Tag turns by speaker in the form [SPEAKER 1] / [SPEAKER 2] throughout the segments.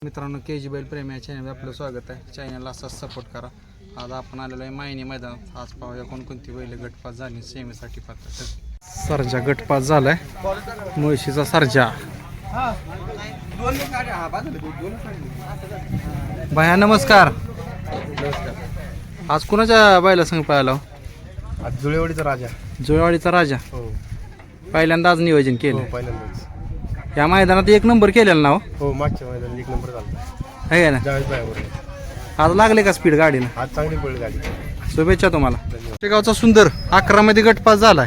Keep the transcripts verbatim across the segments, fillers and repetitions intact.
[SPEAKER 1] मित्रांनो के जी बैल प्रेमी या चॅनलवर आपलं स्वागत आहे. चॅनलला असाच सपोर्ट करा. आज आपण आलेलो आहे मायनी मैदानात. आज पाहूया कोणकोणती बैल गटपास झाली सेमीसाठी पात्र. सरजा गटपास झालाय, मुळशीचा सरजा. भैया नमस्कार. आज कुणाच्या बैला संग पाहिला?
[SPEAKER 2] आज जुळेवाडीचा राजा.
[SPEAKER 1] जुळेवाडीचा राजा.
[SPEAKER 2] हो,
[SPEAKER 1] पहिल्यांदा आज नियोजन केलं.
[SPEAKER 2] पहिल्यांदाच
[SPEAKER 1] या मैदानात एक नंबर केलेला ना?
[SPEAKER 2] हो, मागच्या मैदानात एक नंबर झाला
[SPEAKER 1] आहे ना?
[SPEAKER 2] ज्यावेळेस बायावर
[SPEAKER 1] आज लागले का स्पीड गाडीनं?
[SPEAKER 2] आज चांगली पडली गाडी.
[SPEAKER 1] शुभेच्छा तुम्हाला. शेगावचा सुंदर अकरा मध्ये गटपास झालाय.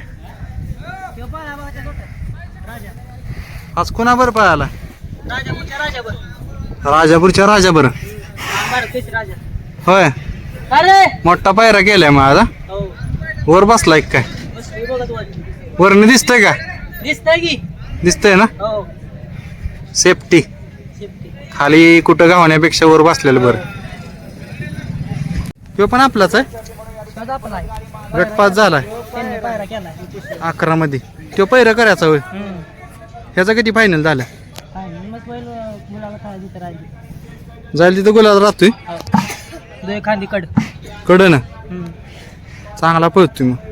[SPEAKER 1] आज कोणाबर पळाला? राजापूरच्या राजाबर. होय, मोठा पायरा केलाय मग आज. वर बसलाय काय? वरनं दिसतंय का? दिसतंय ना? सेफ्टी खाली कुठं गावण्यापेक्षा वर बसलेलं बरं. तो पण आपलाच आहे. गटपास झालाय अकरा मध्ये. तो पैरा करायचा होय. ह्याचा किती फायनल झाला? जाईल तिथं गुलाब राहतोय
[SPEAKER 3] खांदी कड
[SPEAKER 1] कड ना. चांगला पळतोय मग.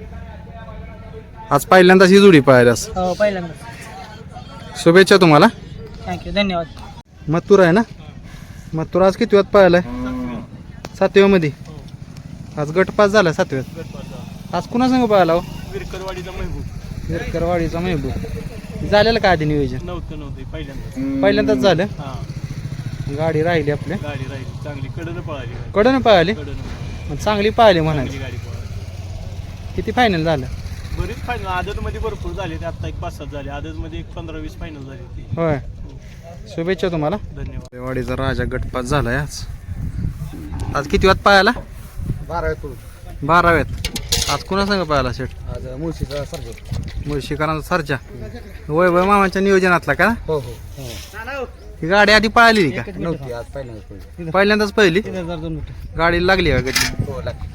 [SPEAKER 1] आज पहिल्यांदाच ही जोडी पाहिल्यास.
[SPEAKER 3] हो, पहिल्यांदा.
[SPEAKER 1] शुभेच्छा तुम्हाला.
[SPEAKER 3] थँक्यू, धन्यवाद.
[SPEAKER 1] मथुर आहे ना? मथुर आज किती वाजता पाहिलाय? सातव्या मध्ये. आज गटपास झाला सातव्यात. आज कुणा संग पाहिला?
[SPEAKER 2] विरकरवाडीचा महबूब.
[SPEAKER 1] विरकरवाडीचा महबूब. झालेलं का आधी नियोजन?
[SPEAKER 2] नव्हतं नव्हतं पहिल्यांदा
[SPEAKER 1] पहिल्यांदाच झालं.
[SPEAKER 2] हा,
[SPEAKER 1] गाडी राहिली आपल्या.
[SPEAKER 2] गाडी राहिली चांगली, कडनं पळाली.
[SPEAKER 1] कडनं पाहिली.
[SPEAKER 2] कडनं
[SPEAKER 1] चांगली पाहिली म्हणाली.
[SPEAKER 2] गाडी पळाली.
[SPEAKER 1] किती फायनल झालं?
[SPEAKER 2] बरीच फायनल आदत मध्ये भरपूर झाले. ते आता एक पाच सात झाले. आदत मध्ये एक पंधरा वीस फायनल झाली ती.
[SPEAKER 1] होय, शुभेच्छा तुम्हाला.
[SPEAKER 2] धन्यवाद.
[SPEAKER 1] वाडीचा राजा गटपास झालाय आज. आज किती वाजता पाहायला?
[SPEAKER 2] बाराव्यात
[SPEAKER 1] बाराव्यात. आज कुणा संग पाहायला शेट?
[SPEAKER 2] आज मुळशीचा सर्ज.
[SPEAKER 1] मुळशीकरांचा सरजा. वैभव मामाच्या नियोजनातला का?
[SPEAKER 2] हो हो
[SPEAKER 1] ही गाडी आधी पळाली का?
[SPEAKER 2] नव्हती, आज पहिल्यांदा.
[SPEAKER 1] पहिल्यांदाच पहिली
[SPEAKER 3] तीन हजार दोन मीटर.
[SPEAKER 1] गाडी लागली का गती?
[SPEAKER 2] हो, लागते.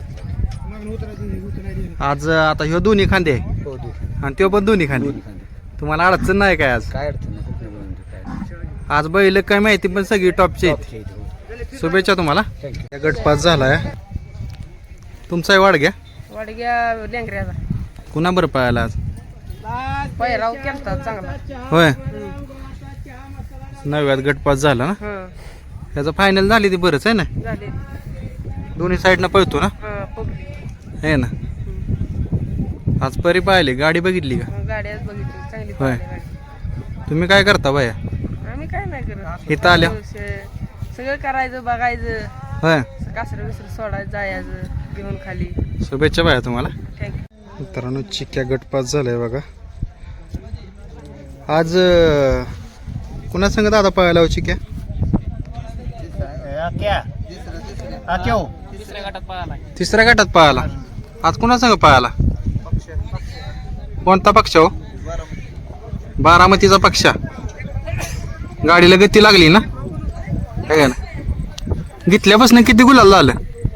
[SPEAKER 1] आज आता ह्यो दोन्ही खांदे आहे
[SPEAKER 2] हो, दे.
[SPEAKER 1] आणि तो पण दोन्ही खांदे. तुम्हाला अडचण नाही काय आज?
[SPEAKER 2] काय अडचण नाही, कुठलं बोलून काय.
[SPEAKER 1] आज बैल काय माहिती पण सगळी टॉपची आहेत.
[SPEAKER 2] टॉपचे आहेत, हो.
[SPEAKER 1] शुभेच्छा तुम्हाला.
[SPEAKER 2] थँक्यू.
[SPEAKER 1] गटपास झालाय तुमचाही वाढ घ्या.
[SPEAKER 3] वाडग्या लेंगऱ्याचा
[SPEAKER 1] कुणा बरं पाहायला आज?
[SPEAKER 3] पहिराव केलता चांगला.
[SPEAKER 1] होय, नव्यात गटपास झाला ना.
[SPEAKER 3] हं,
[SPEAKER 1] त्याचं फायनल झाली ती बरंच आहे ना.
[SPEAKER 3] झाले.
[SPEAKER 1] दोन्ही साईडनं पळतो ना.
[SPEAKER 3] हं, पब्लिक.
[SPEAKER 1] आहे ना. आज परी पाहिली गाडी बघितली का?
[SPEAKER 3] हं, गाडी आज बघितली चांगली
[SPEAKER 1] होय.
[SPEAKER 3] पळाली गाडी.
[SPEAKER 1] तुम्ही काय करता बाया?
[SPEAKER 3] आम्ही काय नाही करत.
[SPEAKER 1] इथं आल्या?
[SPEAKER 3] स- सगळं करायचं, बघायचं,
[SPEAKER 1] होय,
[SPEAKER 3] कासरं विसरं सोडायचं, जायचं घेऊन खाली.
[SPEAKER 1] शुभेच्छा बाया तुम्हाला.
[SPEAKER 3] थँक्यू.
[SPEAKER 1] मित्रांनो चिक्क्या गटपास झालाय बघा. आज अं, कुणा संग दादा पाहायला हो चिक्क्या?
[SPEAKER 3] तिसऱ्या गटात पळाला.
[SPEAKER 1] तिसऱ्या गटात पाहायला. आज कुणा संग पाहायला? कोणता पक्ष हो? बारामतीचा पक्षा. गाडीला गती लागली ना. आहे ना. घेतल्यापासून किती गुलाल झालं?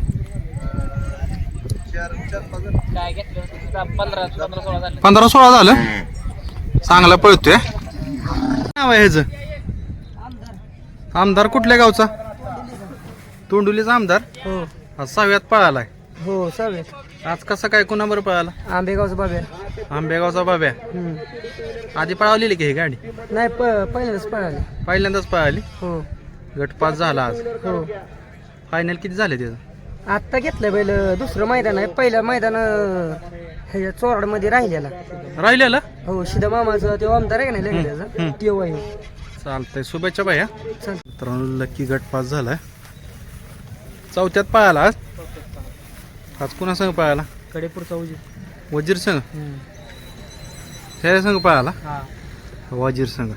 [SPEAKER 3] काय घेतलं? पंधरा पंधरा सोळा झाले.
[SPEAKER 1] पंधरा सोळा झालं. चांगला पळतोय. नाव आहे ह्याचं? आमदार कुठल्या गावचा? तोंडुलीचा आमदार.
[SPEAKER 3] हो
[SPEAKER 1] आज सहाव्यात पळालाय.
[SPEAKER 3] हो, सगळे.
[SPEAKER 1] आज कसं काय कुणाबर पळाला?
[SPEAKER 3] आंबेगावचं बाबे.
[SPEAKER 1] आंबेगावचा बाब्या. आधी पळावलेली की ही गाडी?
[SPEAKER 3] नाही, प पहिल्यांदाच पळाले.
[SPEAKER 1] पहिल्यांदाच पळाली.
[SPEAKER 3] हो
[SPEAKER 1] गटपास झाला आज.
[SPEAKER 3] हो.
[SPEAKER 1] फायनल किती झाले त्याचं?
[SPEAKER 3] आत्ता घेतलं बैल. दुसरं मैदान आहे. पहिलं मैदान हे चोराड मध्ये राहिलेला.
[SPEAKER 1] राहिलेलं.
[SPEAKER 3] हो, शिदा मामाचं ते आमदार आहे का नाही
[SPEAKER 1] हम्म.
[SPEAKER 3] लग्नाचा तेव आहे.
[SPEAKER 1] चालतंय, शुभेच्छा भैया.
[SPEAKER 3] चल.
[SPEAKER 1] मित्रांनो लकी गटपास झालाय. चौथ्यात पळाला आज. आज कुणा संग पळाला?
[SPEAKER 3] कडेपूरचा उजी.
[SPEAKER 1] वजीर संघ. ह्या संघ पळाला.
[SPEAKER 3] हा.
[SPEAKER 1] वजीर संघ.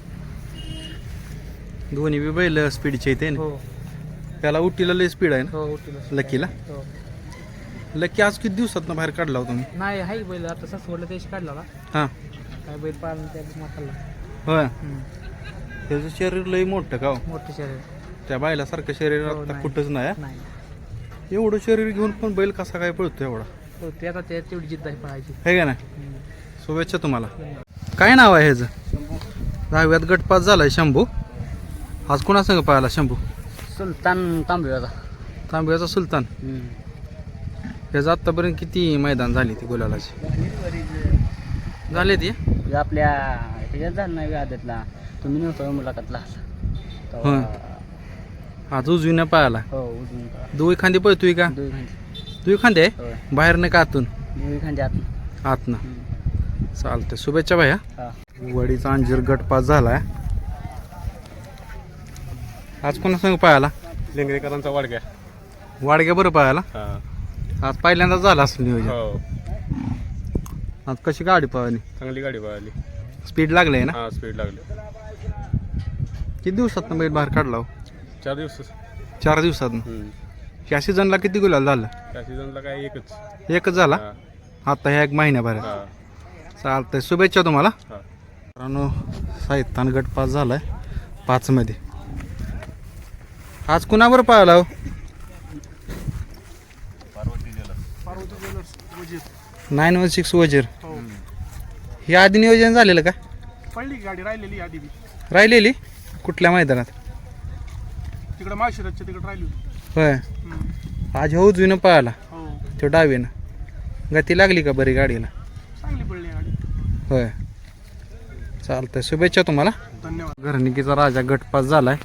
[SPEAKER 1] दोन्ही बी बैल स्पीडचे येते ना.
[SPEAKER 3] हो
[SPEAKER 1] त्याला उटीला लय स्पीड आहे ना
[SPEAKER 3] हो, उठीला.
[SPEAKER 1] लकीला.
[SPEAKER 3] हो.
[SPEAKER 1] लकी आज किती दिवसात बाहेर काढला होता तुम्ही?
[SPEAKER 3] नाही, हाय बैल आता सासवडला त्याशी काढला ना.
[SPEAKER 1] हां,
[SPEAKER 3] काय बैल पाळून त्या माखाला.
[SPEAKER 1] होय. त्याचं शरीर लय मोठं का हो?
[SPEAKER 3] मोठं शरीर.
[SPEAKER 1] त्या बायलासारखं शरीर
[SPEAKER 3] हो,
[SPEAKER 1] आता
[SPEAKER 3] नाही.
[SPEAKER 1] कुठंच नाही हा?
[SPEAKER 3] नाही.
[SPEAKER 1] एवढं शरीर घेऊन पण बैल कसा काय पळतो एवढा?
[SPEAKER 3] हो, ते आता ते तेवढी जिद्द आहे पळायची.
[SPEAKER 1] आहे का नाही? शुभेच्छा तुम्हाला. काय नाव आहे ह्याचं? दहाव्यात गटपास झालाय शंभू. आज कोणा संग पाहायला शंभू?
[SPEAKER 3] सुलतान तांबव्याचा.
[SPEAKER 1] तांब्याचा सुलतान. याचं आत्तापर्यंत किती मैदान झाली ती गुलालाची? झाले ती
[SPEAKER 3] आपल्या ह्याच्यात झालं नाही आदतला, तुम्ही नव्हता मुलाखतला.
[SPEAKER 1] होय. आज उजवीनं पाहायला
[SPEAKER 3] हो उजून
[SPEAKER 1] दुई खांदी पळतोय का?
[SPEAKER 3] दुई खांदी
[SPEAKER 1] दुई खांदे आहे?
[SPEAKER 3] होय.
[SPEAKER 1] बाहेर नाही का आतून?
[SPEAKER 3] दुई खांदी आत.
[SPEAKER 1] आतनं. चालतंय, शुभेच्छा भाया.
[SPEAKER 3] हा.
[SPEAKER 1] वडीचा अंजीर गट पास झालाय. आज कोणा संग पाहायला?
[SPEAKER 2] लिंगरेकरांचा वाडग्या.
[SPEAKER 1] वाडग्या बरं पाहायला.
[SPEAKER 2] हा
[SPEAKER 1] आज पहिल्यांदाच झाला असेल नियोजन.
[SPEAKER 2] हो
[SPEAKER 1] आज कशी गाडी पळाली?
[SPEAKER 2] चांगली गाडी पळाली.
[SPEAKER 1] स्पीड लागले ना?
[SPEAKER 2] हा स्पीड लागली.
[SPEAKER 1] किती दिवसात बैल बाहेर काढला हो?
[SPEAKER 2] चार दिवस.
[SPEAKER 1] चार दिवसात.
[SPEAKER 2] हम्म.
[SPEAKER 1] ह्या सीझनला किती गुलाल झालं?
[SPEAKER 2] त्या सीझनला काय एकच.
[SPEAKER 1] एकच झाला
[SPEAKER 2] हा.
[SPEAKER 1] आता ह्या एक महिन्याभर.
[SPEAKER 2] हा.
[SPEAKER 1] चालतंय, शुभेच्छा तुम्हाला.
[SPEAKER 2] हा.
[SPEAKER 1] मित्रांनो साहित्यान गट पास झालाय पाच मध्ये. आज कुणावर पाहिला हो? नाईन वन सिक्स वजीर. हे आधी नियोजन झालेलं का?
[SPEAKER 2] पडली गाडी राहिलेली आधी बी.
[SPEAKER 1] राहिलेली कुठल्या मैदानात?
[SPEAKER 2] तिकडे माळशिरसच्या तिकडे राहिली होती.
[SPEAKER 1] होय. आज हो उजवीनं पळाला
[SPEAKER 2] हो
[SPEAKER 1] तो डावीनं. गती लागली का बरी गाडीला?
[SPEAKER 2] चांगली पडली गाडी.
[SPEAKER 1] होय. चालतंय, शुभेच्छा तुम्हाला.
[SPEAKER 2] धन्यवाद.
[SPEAKER 1] घरनिकीचा राजा गट पास झालाय.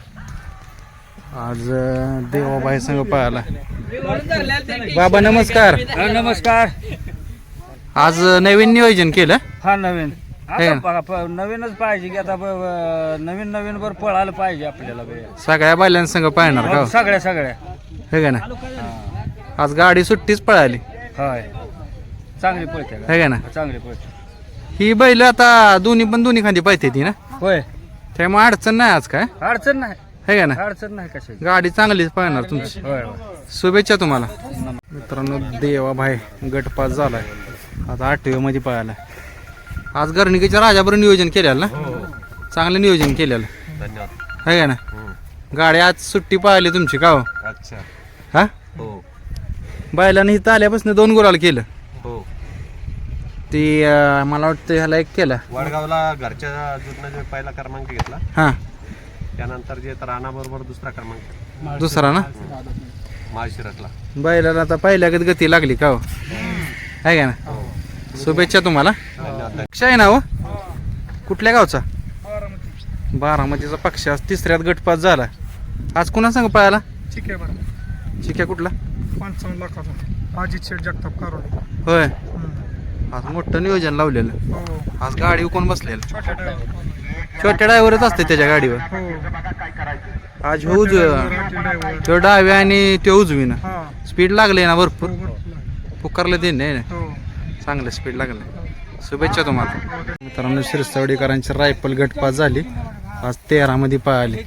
[SPEAKER 1] आज अं, देवाबाई संघ पळाला. बाबा नमस्कार.
[SPEAKER 3] नमस्कार.
[SPEAKER 1] आज अं, नवीन नियोजन केलं.
[SPEAKER 3] हा नवीन
[SPEAKER 1] हे ना.
[SPEAKER 3] आता बघा, प- नवीनच पाहिजे की आता ब- ब- नवीन नवीन वर पळायला पाहिजे आपल्याला बे.
[SPEAKER 1] सगळ्या बैलांसंग पाहणार का हो?
[SPEAKER 3] सगळ्या सगळ्या
[SPEAKER 1] हे का ना? आज गाडी सुट्टीच पळाली.
[SPEAKER 3] होय चांगली पळते
[SPEAKER 1] हे का ना?
[SPEAKER 3] चांगली पळते.
[SPEAKER 1] ही बैल आता दोन्ही पण दोन्ही खांदी पाहिजे ती ना,
[SPEAKER 3] होय
[SPEAKER 1] त्यामुळे अडचण नाही आज काय.
[SPEAKER 3] अडचण नाही,
[SPEAKER 1] हे का ना?
[SPEAKER 3] अडचण नाही कशाची.
[SPEAKER 1] गाडी चांगलीच पाहणार तुमची.
[SPEAKER 3] होय होय.
[SPEAKER 1] शुभेच्छा तुम्हाला. मित्रांनो देवाभाई गट पास झालाय. आता आठव्या मध्ये पळाला. आज गर्णिकेच्या राजाबरोबर नियोजन केलेलं ना? चांगलं नियोजन केलेलं.
[SPEAKER 2] धन्यवाद.
[SPEAKER 1] है का ना? गाडी आज सुट्टी पाहिली तुमची का हो?
[SPEAKER 2] अच्छा.
[SPEAKER 1] हा
[SPEAKER 2] हो
[SPEAKER 1] बैलानं इथं आल्यापासून दोन गुलाल केलं.
[SPEAKER 2] हो.
[SPEAKER 1] ती अं, मला वाटतं ह्याला एक केला.
[SPEAKER 2] वडगावला घरच्या जुटण्याचा पहिला क्रमांक घेतला.
[SPEAKER 1] हा
[SPEAKER 2] त्यानंतर जे राणा बरोबर दुसरा क्रमांक.
[SPEAKER 1] दुसरा ना?
[SPEAKER 2] माळशिरसला.
[SPEAKER 1] बैलाला आता पहिल्यागत गती लागली का हो? आहे का ना? शुभेच्छा तुम्हाला.
[SPEAKER 2] धन्यवाद.
[SPEAKER 1] पक्ष आहे ना हो? कुठल्या गावचा? बारामतीचा पक्ष आज तिसऱ्यात गटपास झाला. आज कुणा सांग पळाला?
[SPEAKER 2] ठीक आहे बरं.
[SPEAKER 1] चिक्या कुठला?
[SPEAKER 2] पंचावन्न लाखाचा अजित शेठ जगताप कारवाडी.
[SPEAKER 1] होय. आज मोठं नियोजन लावलेलं.
[SPEAKER 2] हो.
[SPEAKER 1] आज गाडी कोण बसलेलं?
[SPEAKER 2] छोट्या ड्रायव्हर.
[SPEAKER 1] छोट्या ड्रायव्हरच असते त्याच्या गाडीवर.
[SPEAKER 2] हो.
[SPEAKER 1] आज हो उजव तो डाव्या आणि तो उजवीनं
[SPEAKER 2] हा.
[SPEAKER 1] स्पीड लागले ना भरपूर. पुकारलं ते नाही ना,
[SPEAKER 2] हो.
[SPEAKER 1] चांगलं स्पीड लागलं. शुभेच्छा तुम्हाला. मित्रांनो शिरसावडीकरांची रायफल गटपास झाली. आज तेरा मध्ये पळाली.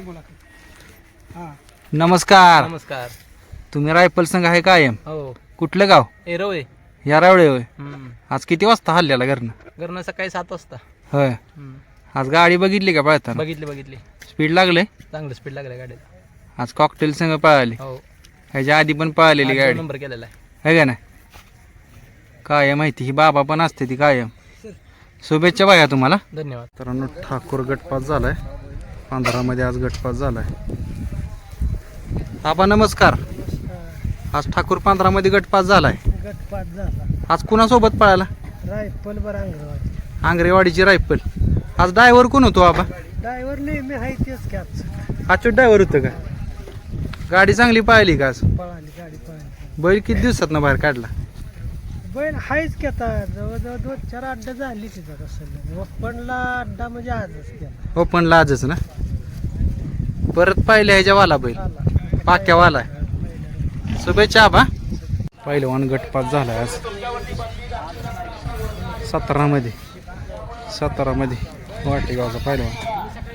[SPEAKER 1] नमस्कार.
[SPEAKER 3] नमस्कार.
[SPEAKER 1] तुम्ही रायफल संघ आहे कायम?
[SPEAKER 3] हो
[SPEAKER 1] कुठलं गाव?
[SPEAKER 3] एरवळे.
[SPEAKER 1] या रावळे होय. आज किती वाजता हल्ल्याला घरनं?
[SPEAKER 3] घरनं सकाळी सात वाजता.
[SPEAKER 1] होय. आज गाडी बघितली का पळताना?
[SPEAKER 3] बघितली बघितली.
[SPEAKER 1] स्पीड लागले.
[SPEAKER 3] चांगलं स्पीड लागलं गाडीला.
[SPEAKER 1] आज कॉकटेल संघ पळाली.
[SPEAKER 3] हो
[SPEAKER 1] ह्याच्या आधी पण पळालेली गाडी
[SPEAKER 3] नंबर केलेला आहे.
[SPEAKER 1] आहे का ना? काय माहिती ही बाबा पण असते ती कायम. शुभेच्छा बाया तुम्हाला.
[SPEAKER 3] धन्यवाद.
[SPEAKER 1] मित्रांनो ठाकूर गटपास झालाय. पंधरा मध्ये आज गटपास झालाय. आबा नमस्कार. आज ठाकूर पंधरा मध्ये गटपास झालाय.
[SPEAKER 3] गटपात झाला.
[SPEAKER 1] आज कुणासोबत पळाला?
[SPEAKER 3] रायफल बरं अंगरवाडी.
[SPEAKER 1] आंग्रेवाडीची रायफल. आज ड्रायव्हर कोण होतो आबा?
[SPEAKER 3] ड्रायव्हर नेहमी आहे तेच कॅच.
[SPEAKER 1] आजचं ड्रायव्हर होतं का? गाडी चांगली पाहिली का आज?
[SPEAKER 3] पळाली गाडी पळाली.
[SPEAKER 1] बैल किती दिवसात ना बाहेर काढला?
[SPEAKER 3] बैल हायच की आता जवळजवळ दोन चार अड्डा झाली तिथं. कसं ओपनला अड्डा म्हणजे आजच केला.
[SPEAKER 1] ओपनला आजच ना? परत पाहिले ह्याच्या वाला बैल पाक्यावाला. शुभेच्छा आबा. पहिलवान गटपास झाला आज सतरा मध्ये. सतरा मध्ये वाटेगावचा पहिलवान.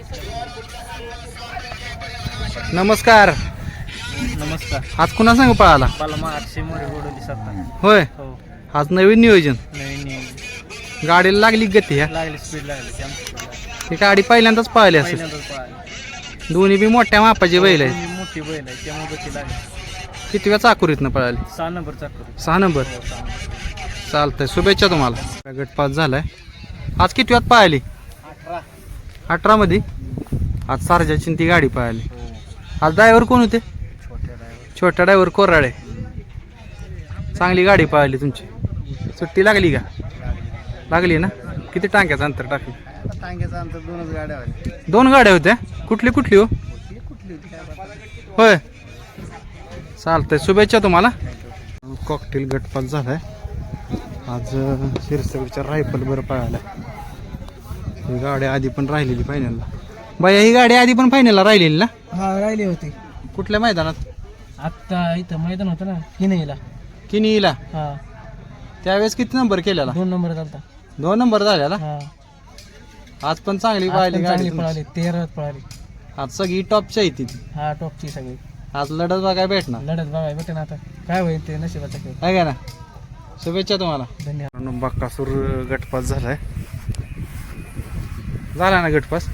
[SPEAKER 1] नमस्कार.
[SPEAKER 3] नमस्कार.
[SPEAKER 1] आज कुणा सांग पळाला?
[SPEAKER 3] मला आठशे मोरे गोडवली सत्ता.
[SPEAKER 1] होय.
[SPEAKER 3] हो
[SPEAKER 1] आज नवीन नियोजन.
[SPEAKER 3] नवीन
[SPEAKER 1] गाडीला लागली गती. ह्या
[SPEAKER 3] लागली स्पीड लागली.
[SPEAKER 1] ही गाडी पहिल्यांदाच पळाली असेल. दोन्ही बी मोठ्या मापाची बैल आहेत.
[SPEAKER 3] मोठी बैल आहे त्यामुळे गती लागली.
[SPEAKER 1] किती वेळा चाकुरीतनं पळाली?
[SPEAKER 3] सहा नंबर चाकू.
[SPEAKER 1] सहा नंबर. चालतंय, शुभेच्छा तुम्हाला. गटपास झालाय. आज किती वेळात पळाली? अठरा मध्ये. आज सारजाची ती गाडी पळाली. आज ड्रायव्हर कोण होते? छोटा ड्रायव्हर कोराळे. चांगली गाडी पळाली तुमची. सुट्टी लागली का? लागली ना. किती टांग्याचं अंतर टाकलं?
[SPEAKER 3] टांग्याचं अंतर दोनच गाड्या होत्या.
[SPEAKER 1] दोन गाड्या होत्या. कुठली कुठली हो?
[SPEAKER 3] कुठली होती काय
[SPEAKER 1] होय चालतंय. शुभेच्छा तुम्हाला. कॉकटेल गटपास झालाय आज. शिरसगडच्या रायफल बरं पळाला. ही गाडी आधी पण राहिलेली फायनलला. बाया ही गाडी आधी पण फायनलला राहिलेली ना?
[SPEAKER 3] हा राहिली होती.
[SPEAKER 1] कुठल्या मैदानात?
[SPEAKER 3] आत्ता इथं मैदान होतं ना किनईला.
[SPEAKER 1] किनीला.
[SPEAKER 3] हा
[SPEAKER 1] त्यावेळेस किती नंबर केलेला?
[SPEAKER 3] दोन नंबर चालता.
[SPEAKER 1] दोन नंबर झालेला.
[SPEAKER 3] हा
[SPEAKER 1] आज पण चांगली पळाली गाडी
[SPEAKER 3] चांगली
[SPEAKER 1] तुमची.
[SPEAKER 3] पळाली. तेरात पळाली.
[SPEAKER 1] आज सगळी टॉपची आहे ती.
[SPEAKER 3] हा टॉपची सगळी.
[SPEAKER 1] आज लढत बघाय भेटणार
[SPEAKER 3] लढत बघाय भेटेन आता. काय होईल ते नशिबाचा खेळ.
[SPEAKER 1] आहे का ना. शुभेच्छा तुम्हाला.
[SPEAKER 3] धन्यवाद.
[SPEAKER 1] बक्कासूर गटपास झालाय. झाला ना गटपास.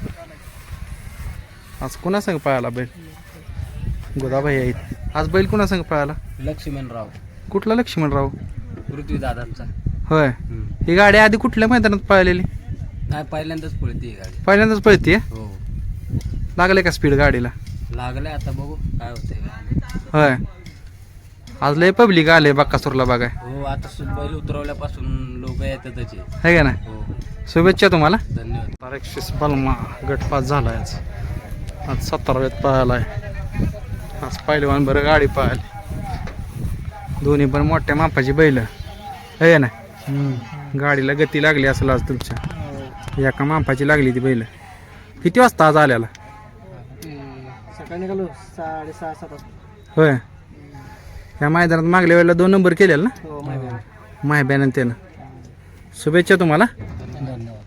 [SPEAKER 1] आज कुणा संग पळाला बैल? गोदाबाई आहेत. आज बैल कुणा संग पळाला?
[SPEAKER 3] लक्ष्मणराव.
[SPEAKER 1] कुठला लक्ष्मणराव?
[SPEAKER 3] पृथ्वी दादांचा.
[SPEAKER 1] होय. ही गाडी आधी कुठल्या मैदानात पळालेली?
[SPEAKER 3] नाही पहिल्यांदाच पळते गाडी.
[SPEAKER 1] पहिल्यांदाच पळतीये.
[SPEAKER 3] हो
[SPEAKER 1] लागले का स्पीड गाडीला?
[SPEAKER 3] लागलंय आता बघू काय होतंय.
[SPEAKER 1] होय. आज लय पब्लिक आले बक्कासूरला बघाय.
[SPEAKER 3] हो आता बैल उतरवल्यापासून लोक येतातच.
[SPEAKER 1] आहे का ना.
[SPEAKER 3] हो
[SPEAKER 1] शुभेच्छा तुम्हाला.
[SPEAKER 3] धन्यवाद.
[SPEAKER 1] एकशे बलमा गटपास झालाय आज. आज सतराव्यात पळालाय. आज पहिलवान बरं गाडी पळाली. दोन्ही पण मोठ्या मापाची बैल आहे ना. गाडीला गती लागली असेल आज तुमच्या. एका मापाची लागली ती बैल. किती वाजता आज आल्याला?
[SPEAKER 3] सकाळी निघालो साडेसहा सात वाजता.
[SPEAKER 1] होय. या मैदानात मागल्या वेळेला दोन नंबर केलेला ना
[SPEAKER 3] हो माहिती.
[SPEAKER 1] माहिब्यानं त्यानं. शुभेच्छा तुम्हाला.